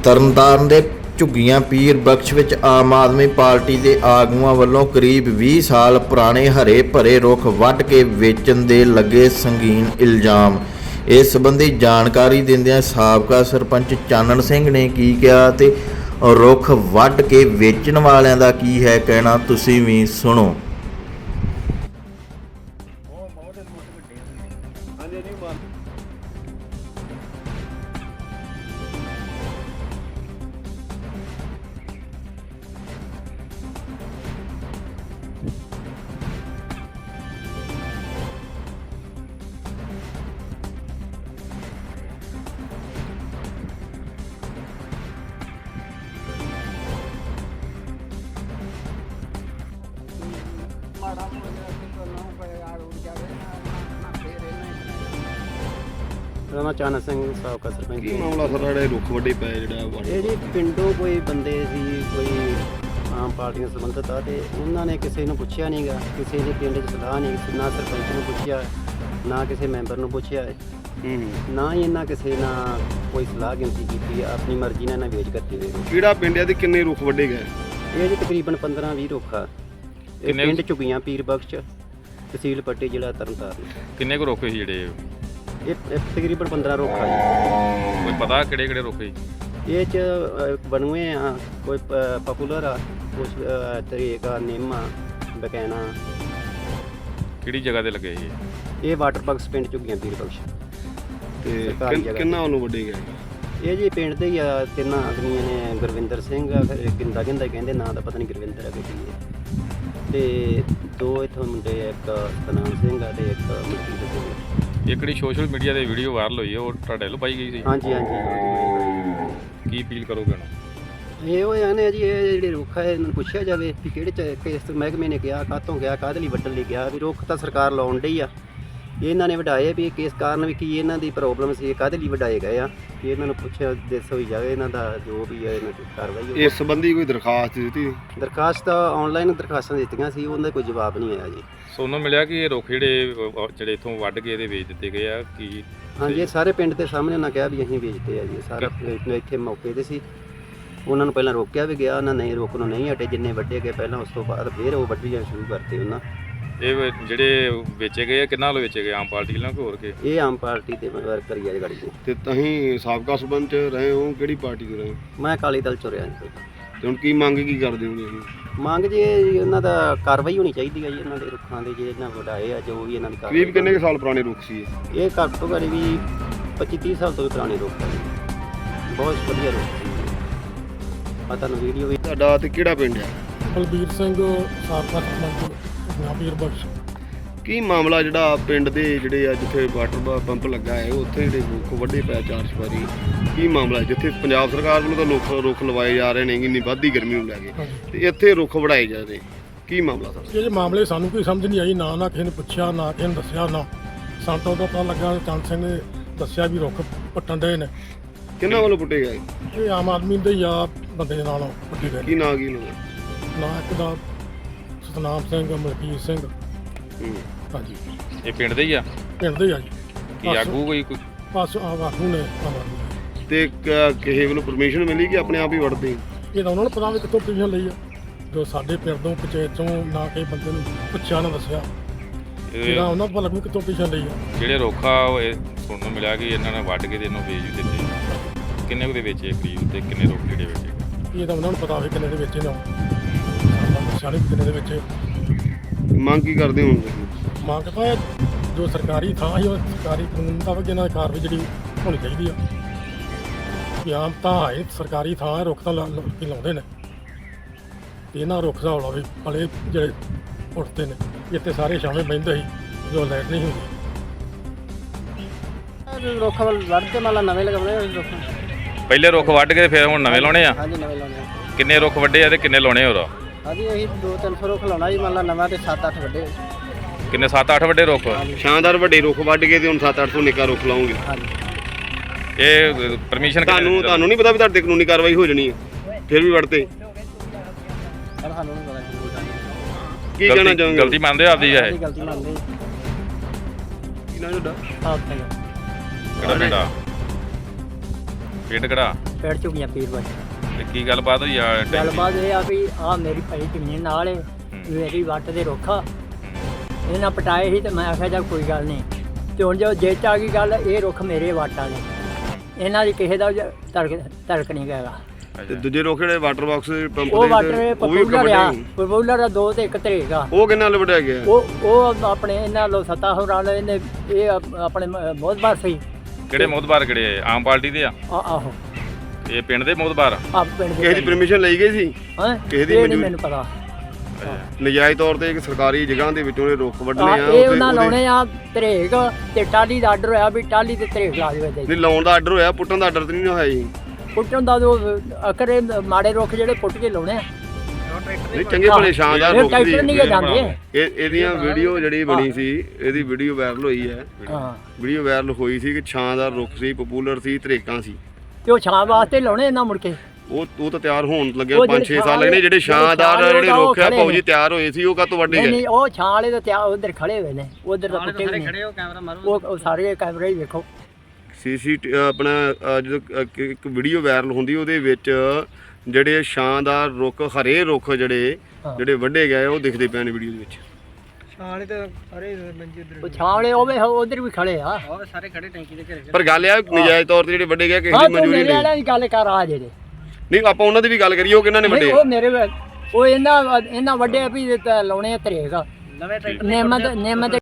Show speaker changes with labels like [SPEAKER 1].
[SPEAKER 1] ਤਰਨਤਾਰਨ ਦੇ ਝੁੱਗੀਆਂ ਪੀਰ ਬਖਸ਼ ਵਿੱਚ ਆਮ ਆਦਮੀ ਪਾਰਟੀ ਦੇ ਆਗੂਆਂ ਵੱਲੋਂ ਕਰੀਬ 20 ਸਾਲ ਪੁਰਾਣੇ ਹਰੇ ਭਰੇ ਰੁੱਖ ਵੱਢ ਕੇ ਵੇਚਣ ਦੇ ਲੱਗੇ ਸੰਗੀਨ ਇਲਜ਼ਾਮ। ਇਸ ਸੰਬੰਧੀ ਜਾਣਕਾਰੀ ਦਿੰਦਿਆਂ ਸਾਬਕਾ ਸਰਪੰਚ ਚਾਨਣ ਸਿੰਘ ਨੇ ਕੀ ਕਿਹਾ ਤੇ ਰੁੱਖ ਵੱਢ ਕੇ ਵੇਚਣ ਵਾਲਿਆਂ ਦਾ ਕੀ ਹੈ ਕਹਿਣਾ, ਤੁਸੀਂ ਵੀ ਸੁਣੋ।
[SPEAKER 2] ਮੈਂ ਚਾਨਣ ਸਿੰਘ ਸਾਬਕਾ ਸਰਪੰਚ।
[SPEAKER 3] ਕੀ ਮਾਮਲਾ ਸਰ ਜਿਹੜੇ ਰੁੱਖ ਵੱਡੇ ਪਏ ਜਿਹੜਾ
[SPEAKER 2] ਇਹ ਜੀ ਪਿੰਡੋਂ ਕੋਈ ਬੰਦੇ ਸੀ, ਕੋਈ ਆਮ ਪਾਰਟੀਆਂ ਸੰਬੰਧਿਤ ਆ, ਤੇ ਉਹਨਾਂ ਨੇ ਕਿਸੇ ਨੂੰ ਪੁੱਛਿਆ ਨਹੀਂਗਾ, ਕਿਸੇ ਦੇ ਪਿੰਡ 'ਚ ਸਲਾਹ ਨਹੀਂ, ਨਾ ਸਰਪੰਚ ਨੂੰ ਪੁੱਛਿਆ, ਨਾ ਕਿਸੇ ਮੈਂਬਰ ਨੂੰ ਪੁੱਛਿਆ, ਨਾ ਹੀ ਇਹਨਾਂ ਕਿਸੇ ਨਾਲ ਕੋਈ ਸਲਾਹ ਗਿਣਤੀ ਕੀਤੀ, ਆਪਣੀ ਮਰਜ਼ੀ ਨਾਲ ਇਹਨਾਂ ਵੇਚ ਕਰਤੀ ਵੇ।
[SPEAKER 3] ਕਿਹੜਾ ਪਿੰਡ ਹੈ ਤੇ ਕਿੰਨੇ ਰੁੱਖ ਵੱਡੇ ਗਏ?
[SPEAKER 2] ਇਹ ਜੀ ਤਕਰੀਬਨ 15-20 ਰੁੱਖ ਆ। ਇਹ ਪਿੰਡ ਝੁੱਗੀਆਂ ਪੀਰ ਬਖਸ਼, ਤਹਿਸੀਲ ਪੱਟੀ, ਜ਼ਿਲ੍ਹਾ ਤਰਨਤਾਰਨ।
[SPEAKER 4] ਕਿੰਨੇ ਕੁ ਰੁੱਖ ਸੀ ਜਿਹੜੇ?
[SPEAKER 2] ਇਹ ਤਕਰੀਬਨ 15 ਰੁੱਖ ਆ ਜੀ।
[SPEAKER 4] ਕੋਈ ਪਤਾ ਕਿਹੜੇ ਕਿਹੜੇ ਰੁੱਖ ਸੀ?
[SPEAKER 2] ਇਹ 'ਚ ਬਣੂਏ ਆ, ਕੋਈ ਪਪੂਲਰ ਆ, ਕੁਛ ਤਰੀਕ ਆ, ਨਿੰਮ ਆ, ਬਕੈਣਾ।
[SPEAKER 4] ਕਿਹੜੀ ਜਗ੍ਹਾ ਤੇ ਲੱਗੇ ਸੀ?
[SPEAKER 2] ਇਹ ਵਾਟਰ ਬਕਸ ਪਿੰਡ ਝੁੱਗੀਆਂ ਪੀਰ ਬਖਸ਼।
[SPEAKER 3] ਤੇ ਕਿੰਨਾ ਉਹਨੂੰ ਵੱਡੇ ਗਏ?
[SPEAKER 2] ਇਹ ਜੀ ਪਿੰਡ ਦੇ ਹੀ ਆ, ਤਿੰਨਾਂ ਆਦਮੀਆਂ ਨੇ, ਗੁਰਵਿੰਦਰ ਸਿੰਘ ਆ, ਗਿੰਦਾ ਕਹਿੰਦੇ, ਨਾਂ ਦਾ ਪਤਾ ਨਹੀਂ ਗੁਰਵਿੰਦਰ ਆ ਕਿ ਕੀ ਹੈ, ਤੇ ਦੋ ਇੱਥੋਂ ਮੁੰਡੇ, ਇੱਕ ਸਤਨਾਮ ਸਿੰਘ ਆ ਤੇ ਇੱਕ ਮਨਜੀਤ ਸਿੰਘ।
[SPEAKER 4] ਇਹ ਕਿਹੜੀ ਸੋਸ਼ਲ ਮੀਡੀਆ ਤੇ ਵੀਡੀਓ ਵਾਇਰਲ ਹੋਈ ਹੈ, ਉਹ ਤੁਹਾਡੇ ਵੱਲੋਂ ਪਾਈ ਗਈ ਸੀ?
[SPEAKER 2] ਹਾਂਜੀ ਹਾਂਜੀ।
[SPEAKER 4] ਕੀ ਅਪੀਲ ਕਰੋਗੇ ਨਾ?
[SPEAKER 2] ਇਹ ਉਹ ਆਨੇ ਜੀ, ਇਹ ਜਿਹੜੇ ਰੁੱਖ ਹੈ ਇਹਨਾਂ ਨੂੰ ਪੁੱਛਿਆ ਜਾਵੇ ਵੀ ਕਿਹੜੇ ਕਿਸ ਮਹਿਕਮੇ ਨੇ ਕਿਹਾ, ਕਾਹਤੋਂ ਗਿਆ, ਕਾਹਦੇ ਲਈ ਵੱਢਣ ਲਈ ਗਿਆ। ਵੀ ਰੁੱਖ ਤਾਂ ਸਰਕਾਰ ਲਾਉਣ ਡਈ ਆ, ਇਹਨਾਂ ਨੇ ਵਢਾਏ ਵੀ ਕਿਸ ਕਾਰਨ, ਵੀ ਕੀ ਇਹਨਾਂ ਦੀ ਪ੍ਰੋਬਲਮ ਸੀ, ਕਾਹਦੇ ਲਈ ਵਢਾਏ ਗਏ ਆ, ਕਿ ਇਹਨਾਂ ਨੂੰ ਪੁੱਛਿਆ ਦੱਸ ਹੋਈ ਜਾਵੇ, ਇਹਨਾਂ ਦਾ ਜੋ ਵੀ ਹੈ ਇਹਨਾਂ ਦੀ ਕਾਰਵਾਈ।
[SPEAKER 3] ਇਸ ਸੰਬੰਧੀ ਕੋਈ ਦਰਖਾਸਤ ਦਿੱਤੀ?
[SPEAKER 2] ਦਰਖਾਸਤ ਤਾਂ ਆਨਲਾਈਨ ਦਰਖਾਸਤਾਂ ਦਿੱਤੀਆਂ ਸੀ, ਉਹਦਾ ਕੋਈ ਜਵਾਬ ਨਹੀਂ ਆਇਆ ਜੀ।
[SPEAKER 4] ਸੋਨੂੰ ਮਿਲਿਆ ਕਿ ਇਹ ਰੁੱਖ ਜਿਹੜੇ ਇੱਥੋਂ ਵੱਢ ਕੇ ਇਹਦੇ ਵੇਚ ਦਿੱਤੇ ਗਏ ਆ ਕੀ?
[SPEAKER 2] ਹਾਂਜੀ, ਇਹ ਸਾਰੇ ਪਿੰਡ ਦੇ ਸਾਹਮਣੇ ਉਹਨਾਂ ਕਿਹਾ ਵੀ ਅਸੀਂ ਵੇਚਦੇ ਆ ਜੀ। ਸਾਰਾ ਇੱਥੇ ਮੌਕੇ 'ਤੇ ਸੀ, ਉਹਨਾਂ ਨੂੰ ਪਹਿਲਾਂ ਰੋਕਿਆ ਵੀ ਗਿਆ, ਉਹਨਾਂ ਨੇ ਰੋਕ ਨੂੰ ਨਹੀਂ ਹਟੇ, ਜਿੰਨੇ ਵੱਢੇ ਗਏ ਪਹਿਲਾਂ, ਉਸ ਤੋਂ ਬਾਅਦ ਫਿਰ ਉਹ ਵੱਢੀਆਂ ਸ਼ੁਰੂ ਕਰਤੇ ਉਹਨਾਂ।
[SPEAKER 4] ਇਹ ਜਿਹੜੇ ਵੇਚੇ ਗਏ ਆ, ਕਿੰਨਾ ਵੱਲੋਂ ਵੇਚੇ ਗਏ? ਆਮ ਪਾਰਟੀ ਨਾਲ ਕਿ ਹੋਰ ਕੇ?
[SPEAKER 2] ਇਹ ਆਮ ਪਾਰਟੀ ਦੇ ਵਰਕਰ ਹੀ ਆ ਜੀ ਗਾੜੀ ਦੇ।
[SPEAKER 3] ਤੇ ਤੁਸੀਂ ਸਾਬਕਾ ਸਰਪੰਚ ਰਹੇ ਹੋ, ਕਿਹੜੀ ਪਾਰਟੀ ਦੇ ਰਹੇ ਹੋ?
[SPEAKER 2] ਮੈਂ ਅਕਾਲੀ ਦਲ 'ਚੋਂ ਰਿਹਾ ਜੀ।
[SPEAKER 3] ਤੇ ਹੁਣ ਕੀ ਮੰਗ ਕੀ ਕਰਦੇ ਹੋ ਤੁਸੀਂ?
[SPEAKER 2] ਮੰਗ ਜੀ ਇਹਨਾਂ ਦਾ ਕਾਰਵਾਈ ਹੋਣੀ ਚਾਹੀਦੀ ਹੈ ਜੀ, ਇਹਨਾਂ ਦੇ ਰੁੱਖਾਂ ਦੇ ਜਿਹੜੇ ਇਹਨਾਂ ਵਢਾਏ ਆ, ਜੋ ਵੀ ਇਹਨਾਂ ਦੀ ਕਾਰਵਾਈ।
[SPEAKER 3] ਕਰੀਬ ਕਿੰਨੇ ਸਾਲ ਪੁਰਾਣੇ ਰੁੱਖ ਸੀ
[SPEAKER 2] ਇਹ? ਘੱਟ ਤੋਂ ਘੱਟ ਵੀ 25-30 ਸਾਲ ਤੋਂ ਵੀ ਪੁਰਾਣੇ ਰੁੱਖ ਆ ਜੀ, ਬਹੁਤ ਵਧੀਆ ਰੁੱਖ ਸੀ। ਮੈਂ ਤੁਹਾਨੂੰ ਵੀਡੀਓ ਵੀ।
[SPEAKER 3] ਤੁਹਾਡਾ ਤੇ ਕਿਹੜਾ ਪਿੰਡ ਹੈ?
[SPEAKER 5] ਬਲਬੀਰ ਸਿੰਘ, ਸਾਬਕਾ ਸਰਪੰਚ ਪੀਰ ਬਖਸ਼।
[SPEAKER 3] ਕੀ ਮਾਮਲਾ ਜਿਹੜਾ ਪਿੰਡ ਦੇ ਜਿਹੜੇ ਆ ਜਿੱਥੇ ਵਾਟਰ ਪੰਪ ਲੱਗਾ ਹੈ, ਉੱਥੇ ਜਿਹੜੇ ਰੁੱਖ ਵੱਡੇ ਪਏ 4 ਸਵਾਰੀ, ਕੀ ਮਾਮਲਾ? ਜਿੱਥੇ ਪੰਜਾਬ ਸਰਕਾਰ ਵੱਲੋਂ ਤਾਂ ਰੁੱਖ ਲਵਾਏ ਜਾ ਰਹੇ ਨੇ ਇੰਨੀ ਵੱਧਦੀ ਗਰਮੀ ਨੂੰ ਲੈ ਕੇ, ਤੇ ਇੱਥੇ ਰੁੱਖ ਵਢਾਏ ਜਾ ਰਹੇ, ਕੀ ਮਾਮਲਾ ਸਰ?
[SPEAKER 5] ਇਹ ਮਾਮਲੇ ਸਾਨੂੰ ਕੋਈ ਸਮਝ ਨਹੀਂ ਆਈ, ਨਾ ਕਿਸੇ ਨੇ ਪੁੱਛਿਆ, ਨਾ ਕਿਸੇ ਨੇ ਦੱਸਿਆ, ਨਾ ਸਾਨੂੰ ਤਾਂ ਉਦੋਂ ਪਤਾ ਲੱਗਾ ਚੰਦ ਸਿੰਘ ਨੇ ਦੱਸਿਆ ਵੀ ਰੁੱਖ ਪੱਟਣ ਦੇ ਨੇ।
[SPEAKER 3] ਕਿੰਨਾ ਵੱਲੋਂ ਪੁੱਟੇ ਗਏ?
[SPEAKER 5] ਇਹ ਆਮ ਆਦਮੀ ਦੇ ਜਾਂ ਬੰਦੇ ਦੇ ਨਾਲ ਪੱਟੇ ਗਏ।
[SPEAKER 3] ਕੀ ਨਾਂ ਕੀ ਲੋਕ?
[SPEAKER 5] ਨਾ ਇੱਕ ਦਾ ਸਤਨਾਮ ਸਿੰਘ, ਮਲਕੀਤ ਸਿੰਘ। ਹਾਂਜੀ,
[SPEAKER 4] ਇਹ ਪਿੰਡ ਦੇ ਹੀ ਆ?
[SPEAKER 5] ਪਿੰਡ ਦੇ ਆ ਜੀ।
[SPEAKER 4] ਕੀ ਆਗੂ ਕੋਈ?
[SPEAKER 5] ਬਸ ਆਗੂ ਨੇ ਆਮ ਆਦਮੀ।
[SPEAKER 3] ਤੇ ਕਿਸੇ ਵੱਲੋਂ ਪਰਮਿਸ਼ਨ ਮਿਲੀ ਕਿ ਆਪਣੇ ਆਪ ਹੀ ਵੜਦੇ?
[SPEAKER 5] ਇਹ ਤਾਂ ਉਹਨਾਂ ਨੂੰ ਪਤਾ ਵੀ ਕਿੱਥੋਂ ਪਰਮਿਸ਼ਨ ਲਈ ਆ, ਜੋ ਸਾਡੇ ਪਿੰਡ ਤੋਂ ਪੰਚਾਇਤ ਚੋਂ ਨਾ ਕਿਸੇ ਬੰਦੇ ਨੂੰ ਪੁੱਛਿਆ, ਨਾ ਦੱਸਿਆ, ਇਹਦਾ ਉਹਨਾਂ ਨੂੰ ਪਤਾ ਲੱਗੂ ਕਿੱਥੋਂ ਪਰਮਿਸ਼ਨ ਲਈ ਆ।
[SPEAKER 4] ਜਿਹੜੇ ਰੁੱਖ ਆ ਉਹ ਸੁਣਨ ਨੂੰ ਮਿਲਿਆ ਕਿ ਇਹਨਾਂ ਨੇ ਵੱਢ ਕੇ ਤੇ ਇਹਨੂੰ ਵੇਚ ਦਿੱਤੇ। ਕਿੰਨੇ ਕੁ ਦੇ ਵੇਚੇ ਕਰੀਬ, ਤੇ ਕਿੰਨੇ ਰੁੱਖ ਜਿਹੜੇ ਵੇਚੇ?
[SPEAKER 5] ਇਹ ਤਾਂ ਉਹਨਾਂ ਨੂੰ ਪਤਾ ਹੋਵੇ ਕਿੰਨੇ ਦੇ ਵਿੱਚ ਨੇ, ਸਾਡੇ ਕਿੰਨੇ ਦੇ ਵਿੱਚ।
[SPEAKER 3] ਮੰਗ ਕੀ ਕਰਦੇ ਹੋ?
[SPEAKER 5] ਮੰਗ ਤਾਂ ਜੋ ਸਰਕਾਰੀ ਥਾਂ ਹੈ, ਉਹ ਸਰਕਾਰੀ ਕਾਨੂੰਨ ਦਾ ਇਹਨਾਂ ਦੀ ਕਾਰਵਾਈ ਜਿਹੜੀ ਹੋਣੀ ਚਾਹੀਦੀ ਆ। ਕਿ ਆਮ ਤਾਂ ਹੈ ਸਰਕਾਰੀ ਥਾਂ ਹੈ, ਰੁੱਖ ਤਾਂ ਲੋਕੀ ਲਾਉਂਦੇ ਨੇ, ਤੇ ਇਹਨਾਂ ਰੁੱਖ ਦਾ ਹੌਲਾ ਵੀ ਪਲੇ ਜਿਹੜੇ ਉੱਠਦੇ ਨੇ। ਇੱਥੇ ਸਾਰੇ ਛਾਵੇਂ ਬਹਿੰਦੇ ਸੀ, ਜੋ ਲਾਈਟ ਨਹੀਂ ਹੁੰਦੀ।
[SPEAKER 2] ਰੁੱਖ ਵੱਢਦੇ ਨਾਲ ਨਵੇਂ ਲਗਾਉਣੇ ਰੁੱਖ।
[SPEAKER 4] ਪਹਿਲੇ ਰੁੱਖ ਵੱਢ ਕੇ ਫਿਰ ਹੁਣ ਨਵੇਂ ਲਾਉਣੇ ਆ?
[SPEAKER 2] ਹਾਂਜੀ, ਨਵੇਂ ਲਾਉਣੇ।
[SPEAKER 4] ਕਿੰਨੇ ਰੁੱਖ ਵੱਡੇ ਆ ਤੇ ਕਿੰਨੇ ਲਾਉਣੇ ਹੋਰ?
[SPEAKER 2] ਹਾਂਜੀ, ਅਸੀਂ 200-300 ਰੁੱਖ ਲਾਉਣਾ ਜੀ, ਮੰਨ ਲਾ ਨਵਾਂ ਤੇ 7-8 ਵੱਡੇ।
[SPEAKER 4] ਕਿੰਨੇ? 7-8 ਵੱਡੇ ਰੁੱਖ?
[SPEAKER 3] ਸ਼ਾਨਦਾਰ ਵੱਡੇ ਰੁੱਖ ਵੱਢ ਕੇ ਤੇ ਹੁਣ 7-800 ਨਿੱਕਾ ਰੁੱਖ ਲਾਉਂਗੇ।
[SPEAKER 2] ਹਾਂਜੀ।
[SPEAKER 4] ਇਹ ਪਰਮਿਸ਼ਨ
[SPEAKER 3] ਤੁਹਾਨੂੰ ਨਹੀਂ ਪਤਾ ਵੀ ਤੁਹਾਡੇ ਕਾਨੂੰਨੀ ਕਾਰਵਾਈ ਹੋ ਜਾਣੀ ਹੈ, ਫਿਰ ਵੀ ਵੜਦੇ?
[SPEAKER 2] ਪਰ ਸਾਨੂੰ ਨਹੀਂ ਪਤਾ
[SPEAKER 3] ਕੀ ਕਹਿਣਾ ਚਾਹੋਗੇ?
[SPEAKER 4] ਗਲਤੀ ਮੰਨਦੇ ਹੋ ਆਪਦੀ? ਇਹ
[SPEAKER 2] ਗਲਤੀ ਮੰਨਦੇ।
[SPEAKER 3] ਕੀ ਨਾਮ ਤੁਹਾਡਾ?
[SPEAKER 2] ਆਪ ਸਹੀ।
[SPEAKER 4] ਕਿਹੜਾ ਪਿੰਡ ਆ? ਪਿੰਡ ਕਿਹੜਾ?
[SPEAKER 6] ਪਿੰਡ ਝੁਗੀਆਂ ਪੀਰ ਬਸ।
[SPEAKER 4] ਤੇ ਕੀ ਗੱਲਬਾਤ ਹੋਈ ਆ ਟੈਂਕੀ?
[SPEAKER 6] ਗੱਲਬਾਤ ਇਹ ਆ ਵੀ ਆ ਮੇਰੀ ਭਾਈ ਜ਼ਮੀਨ ਨਾਲ ਏ, ਮੇਰੀ ਵੱਟ ਦੇ ਰੁੱਖ ਆ, ਇਹਨਾਂ ਪਟਾਏ ਸੀ ਤੇ ਮੈਂ ਆਖਿਆ ਚੱਲ ਕੋਈ ਗੱਲ ਨਹੀਂ। ਤੇ ਹੁਣ ਜੋ ਜੇ 'ਚ ਆ ਗਈ ਗੱਲ, ਇਹ ਰੁੱਖ ਮੇਰੇ ਵਾਟਾਂ ਨੇ, ਇਹਨਾਂ ਦੀ ਕਿਸੇ ਦਾ ਧੜਕ ਨਹੀਂ ਹੈਗਾ।
[SPEAKER 3] ਤੇ ਦੂਜੇ ਰੁੱਖ ਜਿਹੜੇ ਵਾਟਰ ਬਾਕਸ ਪੰਪ
[SPEAKER 6] ਉਹ
[SPEAKER 3] ਦੇ
[SPEAKER 6] ਵਾਟਰ
[SPEAKER 3] ਉਹ ਵੀ
[SPEAKER 6] ਪਪੂਲਰ ਆ,
[SPEAKER 3] ਵੱਡੇ
[SPEAKER 6] ਪਪੂਲਰ ਆ 2 ਤੇ 1 ਧਰੇਗਾ।
[SPEAKER 3] ਉਹ ਕਿੰਨਾ ਲਵਟਿਆ ਗਿਆ?
[SPEAKER 6] ਉਹ ਆਪਣੇ ਇਹਨਾਂ ਲੋ ਸੱਤਾ ਹੋਰਾਂ ਨੇ ਇਹਨੇ ਇਹ ਆਪਣੇ ਮੋਹਤਬਾਰ ਸੀ।
[SPEAKER 4] ਕਿਹੜੇ ਮੋਦਬਾਰ ਕਿਹੜੇ ਆਮ ਪਾਰਟੀ ਦੇ ਆ?
[SPEAKER 6] ਆਹੋ
[SPEAKER 4] ਇਹ ਪਿੰਡ ਦੇ ਮੋਦਬਾਰ
[SPEAKER 6] ਆ ਪਿੰਡ
[SPEAKER 3] ਕਿਸੇ ਦੀ ਪਰਮਿਸ਼ਨ ਲਈ ਗਈ ਸੀ?
[SPEAKER 6] ਹਾਂ
[SPEAKER 3] ਕਿਸੇ ਦੀ
[SPEAKER 6] ਇਹ ਨਹੀਂ
[SPEAKER 3] ਮਨਜ਼ੂਰੀ?
[SPEAKER 6] ਮੈਨੂੰ ਪਤਾ।
[SPEAKER 3] ਨਜਾਇਜ਼ ਤੌਰ ਤੇ ਇੱਕ ਸਰਕਾਰੀ ਜਗ੍ਹਾ ਦੇ ਵਿੱਚੋਂ ਇਹ ਰੁੱਖ ਵੱਢਣੇ ਆ
[SPEAKER 6] ਇਹ ਉਹਨਾਂ ਲਾਉਣੇ ਆ ਧਰੇਕ, ਤੇ ਟਾਲੀ ਦਾ ਆਰਡਰ ਹੋਇਆ ਵੀ ਟਾਲੀ ਤੇ ਧਰੇਕ ਲਾ ਦੇਵੇ।
[SPEAKER 3] ਨਹੀਂ ਲਾਉਣ ਦਾ ਆਰਡਰ ਹੋਇਆ, ਪੁੱਟਣ ਦਾ ਆਰਡਰ ਤੇ ਨਹੀਂ ਹੋਇਆ ਜੀ।
[SPEAKER 6] ਪੁੱਟਣ ਦਾ ਜੋ ਅਕਰੇ ਮਾੜੇ ਰੁੱਖ ਜਿਹੜੇ ਪੁੱਟ ਕੇ ਲਾਉਣੇ ਆ।
[SPEAKER 3] ਨਹੀਂ ਚੰਗੇ ਭਲੇ ਸ਼ਾਨਦਾਰ
[SPEAKER 6] ਇਹ
[SPEAKER 3] ਰੁੱਖ ਸੀ।
[SPEAKER 6] ਟਰੈਕਟਰ ਨਹੀਂ ਜਾਂਦੇ।
[SPEAKER 3] ਇਹਦੀਆਂ ਵੀਡੀਓ ਜਿਹੜੀ ਬਣੀ ਸੀ, ਇਹਦੀ ਵੀਡੀਓ ਵਾਇਰਲ ਹੋਈ ਹੈ।
[SPEAKER 6] ਹਾਂ
[SPEAKER 3] ਵੀਡੀਓ ਵਾਇਰਲ ਹੋਈ ਸੀ ਕਿ ਸ਼ਾਨਦਾਰ ਰੁੱਖ ਸੀ, ਪਪੂਲਰ ਸੀ, ਧਰੇਕਾਂ ਸੀ।
[SPEAKER 6] ਤੇ ਉਹ ਛਾਂ ਵਾਸਤੇ ਲਾਉਣੇ ਇਹਨਾਂ ਮੁੜ ਕੇ।
[SPEAKER 3] ਉਹ ਤਾਂ ਤਿਆਰ ਹੋਣ ਲੱਗਿਆ
[SPEAKER 6] ਉਹ
[SPEAKER 3] 5-6 ਸਾਲ
[SPEAKER 6] ਜਿਹੜੇ
[SPEAKER 3] ਲੱਗਣੇ। ਜਿਹੜੇ ਸ਼ਾਨਦਾਰ
[SPEAKER 6] ਜਿਹੜੇ
[SPEAKER 3] ਜਿਹੜੇ ਰੁੱਖ ਆ
[SPEAKER 6] ਖੜੇ
[SPEAKER 3] ਭਾਊ ਜੀ ਤਿਆਰ ਹੋਏ ਸੀ, ਉਹ ਕਾਹਤੋਂ ਵੱਢੇ
[SPEAKER 6] ਨਹੀਂ
[SPEAKER 3] ਗਏ?
[SPEAKER 6] ਨਹੀਂ ਉਹ ਛਾਂ ਵਾਲੇ ਤਾਂ ਤਿਆਰ ਉਧਰ ਖੜੇ ਹੋਏ ਨੇ, ਉਧਰ ਤਾਂ ਪੁੱਟੇ ਵੀ ਨਹੀਂ। ਉਹ ਸਾਰੇ ਕੈਮਰੇ ਹੀ ਵੇਖੋ।
[SPEAKER 3] ਆਪਣਾ ਜਦੋਂ ਇੱਕ ਵੀਡੀਓ ਵਾਇਰਲ ਹੁੰਦੀ ਉਹਦੇ ਵਿੱਚ ਜਿਹੜੇ ਸ਼ਾਨਦਾਰ ਰੁੱਖ, ਹਰੇ ਰੁੱਖ ਜਿਹੜੇ ਵੱਢੇ ਗਏ ਉਹ ਦਿਖਦੇ ਪਏ ਨੇ ਵੀਡੀਓ ਦੇ ਵਿੱਚ।
[SPEAKER 6] ਉਹ ਛਾਂ ਵਾਲੇ ਉਹ ਵੀ ਉਧਰ ਵੀ ਖੜੇ ਆ।
[SPEAKER 3] ਪਰ ਗੱਲ ਇਹ ਆ ਨਜਾਇਜ਼ ਤੌਰ ਤੇ ਜਿਹੜੇ ਵੱਢੇ ਗਏ ਕਿਸੇ
[SPEAKER 6] ਹਾਂ
[SPEAKER 3] ਦੀ
[SPEAKER 6] ਤੂੰ
[SPEAKER 3] ਮਨਜ਼ੂਰੀ
[SPEAKER 6] ਮੇਰੇ
[SPEAKER 3] ਨਹੀਂ।
[SPEAKER 6] ਵਾਲਿਆਂ ਦੀ ਗੱਲ ਕਰ ਆ ਜਿਹੜੇ।
[SPEAKER 3] ਨਹੀਂ ਆਪਾਂ ਉਹਨਾਂ ਦੀ ਵੀ ਗੱਲ ਕਰੀਏ, ਉਹ ਕਿਹਨਾਂ ਨੇ ਵੱਢੇ?
[SPEAKER 6] ਨਹੀਂ, ਉਹ ਮੇਰੇ ਉਹ ਇਹਨਾਂ ਵੱਡੇ ਵੀ ਲਾਉਣੇ ਆ ਧਰੇਕ। ਨਿੰਮ ਦੇ